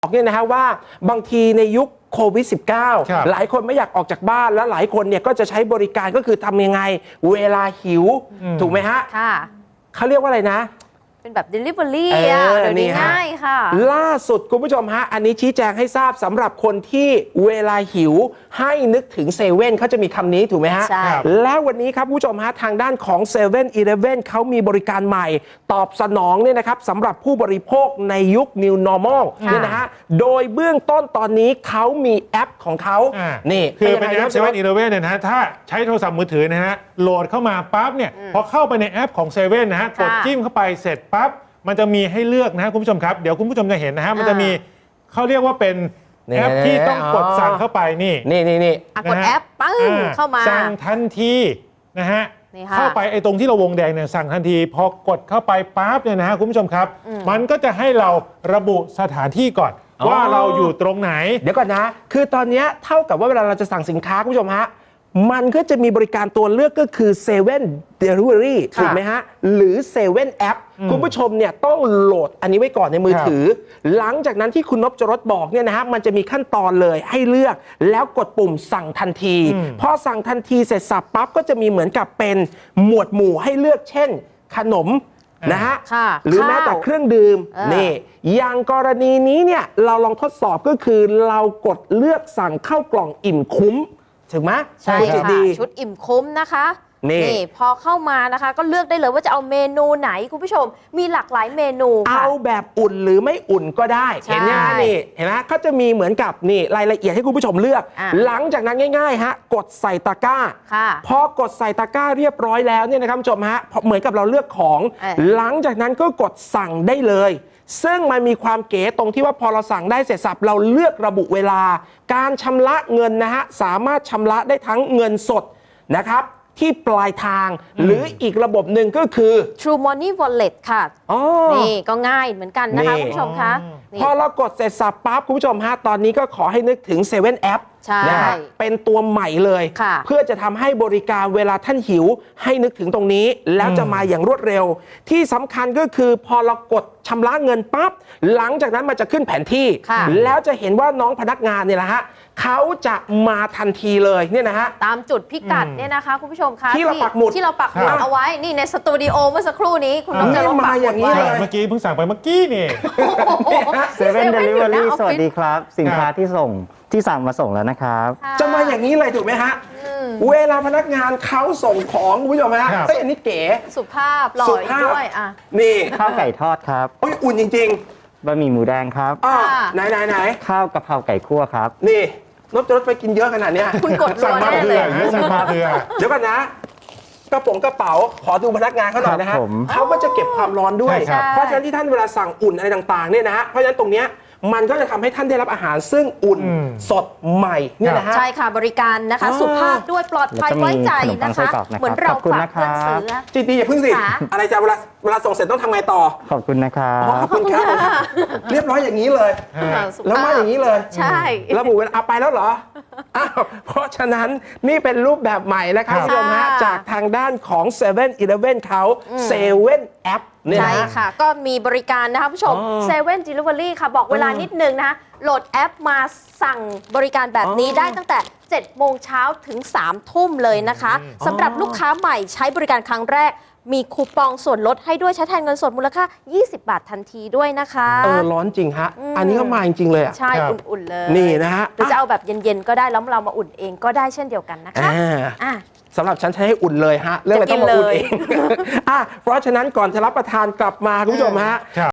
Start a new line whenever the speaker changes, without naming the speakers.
บอกเนี่ยนะฮะว่าบางทีในยุคโควิด -19 หลายคนไม่อยากออกจากบ้านแล้วหลายคนเนี่ยก็จะใช้บริการก็คือทำยังไงเวลาหิวถูกไหมฮะเขาเรียกว่าอะไรนะ
เป็นแบบ Delivery เดี๋ยวนี้ง่ายค่ะ
ล่าสุดคุณผู้ชมฮะอันนี้ชี้แจงให้ทราบสำหรับคนที่เวลาหิวให้นึกถึงเซเว่นเขาจะมีคำนี้ถูกไหมฮะแล้ววันนี้ครับผู้ชมฮะทางด้านของ7 e เ e ่ e เขามีบริการใหม่ตอบสนองเนี่ยนะครับสำหรับผู้บริโภคในยุค New Normal เนี่ยนะฮะโดยเบื้องต้นตอนนี้เขามีแอปของเขา
นี่คือเป็นแอป7 e เ e ่ e เนี่ยนะฮะถ้าใช้โทรศัพท์มือถือนะฮะโหลดเข้ามาปั๊บเนี่ยพอเข้าไปในแอปของ7 e เ e ่ e นะฮะกดจิ้มเข้าไปเสร็จปั๊บมันจะมีให้เลือกนะฮะคุณผู้ชมครับเดี๋ยวคุณผู้ชมจะเห็นนะฮะมันจะมีเขาเรียกว่าเป็นแอปที่ต้องกดสั่งเข้าไปนี่
กดแอปปึ้งเข้ามา
สั่งทันทีนะฮะเข้าไปไอ้ตรงที่เราวงแดงเนี่ยสั่งทันทีพอกดเข้าไปปั๊บเนี่ยนะฮะคุณผู้ชมครับมันก็จะให้เราระบุสถานที่ก่อนว่าเราอยู่ตรงไหน
เดี๋ยวก่อนนะคือตอนนี้เท่ากับว่าเวลาเราจะสั่งสินค้าคุณผู้ชมฮะมันก็จะมีบริการตัวเลือกก็คือ7 Delivery ถูกไหมฮะหรือ7 App คุณผู้ชมเนี่ยต้องโหลดอันนี้ไว้ก่อนในมือถือหลังจากนั้นที่คุณนพจรสบอกเนี่ยนะฮะมันจะมีขั้นตอนเลยให้เลือกแล้วกดปุ่มสั่งทันทีพอสั่งทันทีเสร็จสับปั๊บก็จะมีเหมือนกับเป็นหมวดหมู่ให้เลือกเช่นขนมนะฮะหรือแม้แต่เครื่องดื่มนี่อย่างกรณีนี้เนี่ยเราลองทดสอบก็คือเรากดเลือกสั่งเข้ากล่องอิ่มคุ้มถึงไหม
ใช่ค่ะชุดอิ่มคุ้มนะคะนี่พอเข้ามานะคะก็เลือกได้เลยว่าจะเอาเมนูไหนคุณผู้ชมมีหลากหลายเมนู
เอาแบบอุ่นหรือไม่อุ่นก็ได้เห็นไหมนี่เห็นไหมเขาจะมีเหมือนกับนี่รายละเอียดให้คุณผู้ชมเลือกหลังจากนั้นง่ายๆฮะกดใส่ตะกร้าพอกดใส่ตะกร้าเรียบร้อยแล้วเนี่ยนะครับผู้ชมฮะเหมือนกับเราเลือกของหลังจากนั้นก็กดสั่งได้เลยซึ่งมันมีความเก๋ตรงที่ว่าพอเราสั่งได้เสร็จสับเราเลือกระบุเวลาการชำระเงินนะฮะสามารถชำระได้ทั้งเงินสดนะครับที่ปลายทางหรืออีกระบบหนึ่งก็คือ
True Money Wallet ค่ะนี่ก็ง่ายเหมือนกันนะคะคุณผู้ชมคะ
พอเรากดเสร็จสับปั๊บคุณผู้ชมฮะตอนนี้ก็ขอให้นึกถึง7 App นะฮะเป็นตัวใหม่เลยเพื่อจะทำให้บริการเวลาท่านหิวให้นึกถึงตรงนี้แล้วจะมาอย่างรวดเร็วที่สำคัญก็คือพอเรากดชำระเงินปั๊บหลังจากนั้นมันจะขึ้นแผนที่แล้วจะเห็นว่าน้องพนักงานเนี่ยแหละฮะเขาจะมาทันทีเลยเนี่ยนะฮะ
ตามจุดพิกัดเนี่ยนะคะคุณผู้ชมคะ
ที่เราปักหมุด
เอาไว้นี่ในสตูดิโอเมื่อสักครู่นี้คุณน้องจะลง
มาอย่างนี้เลย
เมื่อกี้เพิ่งสั่งไปเมื่อกี้นี่
7 Delivery สวัสดีครับสินค้าที่สั่งมาส่งแล้วนะครับ
จะมาอย่างนี้เลยถูกไหมฮะเวลาพนักงานเขาส่งของคุณผู้ชมฮะอันนี้เก๋
สุภาพหล่อด้วย
นี่
ข้าวไก่ทอดครับ
อุ่นจริง
ๆบะหมี่หมูแดงครับ
ไหน
ข้าวกะเพราไก่คั่วครับ
นี่นพจรสไปกินเยอะขนาดนี้
คุณกดสั่งมา
เ
ดี๋ยวก่อนนะกระเป๋าขอดูพนักงานเขาหน่อยนะฮะเขาก็จะเก็บความร้อนด้วยเพราะฉะนั้นที่ท่านเวลาสั่งอุ่นอะไรต่างๆเนี่ยนะฮะเพราะฉะนั้นตรงเนี้ยมันก็จะทำให้ท่านได้รับอาหารซึ่งอุ่นสดใหม่เนี่ยนะฮะ
ใช่ค่ะบริการนะคะสุภาพด้วยปลอดภัยไว้ใจนะคะเหมือนเราฝากเพื่อนซื้อ
จีตีอย่าพึ่งสิอะไรจะเวลาส่งเสร็จต้องทำไงต่อ
ขอบคุณนะครับ
ขอบคุณครับเรียบร้อยอย่างนี้เลยแล้วมาอย่างนี้เลย
ใช่
ระบุเวลาไปแล้วเหรอเพราะฉะนั้นนี่เป็นรูปแบบใหม่นะครับคุณผู้ชมฮะจากทางด้านของ7 e เ e ่ e เขา7 App
ใช่ค่ะก็มีบริการนะคะผู้ชม7 Delivery ค่ะบอกเวลานิดนึงนะคะโหลดแอปมาสั่งบริการแบบนี้ได้ตั้งแต่7 โมงเช้าถึง3 ทุ่มเลยนะคะสำหรับลูกค้าใหม่ใช้บริการครั้งแรกมีคูปองส่วนลดให้ด้วยใช้แทนเงินสดมูลค่า20 บาททันทีด้วยนะคะ
ร้อนจริงฮะอันนี้ก็มาจริงๆเลย
ใช่อุ่นๆเลย
นี่นะฮะ
หรือจะเอาแบบเย็นๆก็ได้แล้วเรามาอุ่นเองก็ได้เช่นเดียวกันนะคะ
สำหรับฉันใช้ให้อุ่นเลยฮะเรื่องอะไรต้องมาอุ่นเองเพราะฉะนั้นก่อนจะรับประทานกลับมาคุณผู้ชมฮะ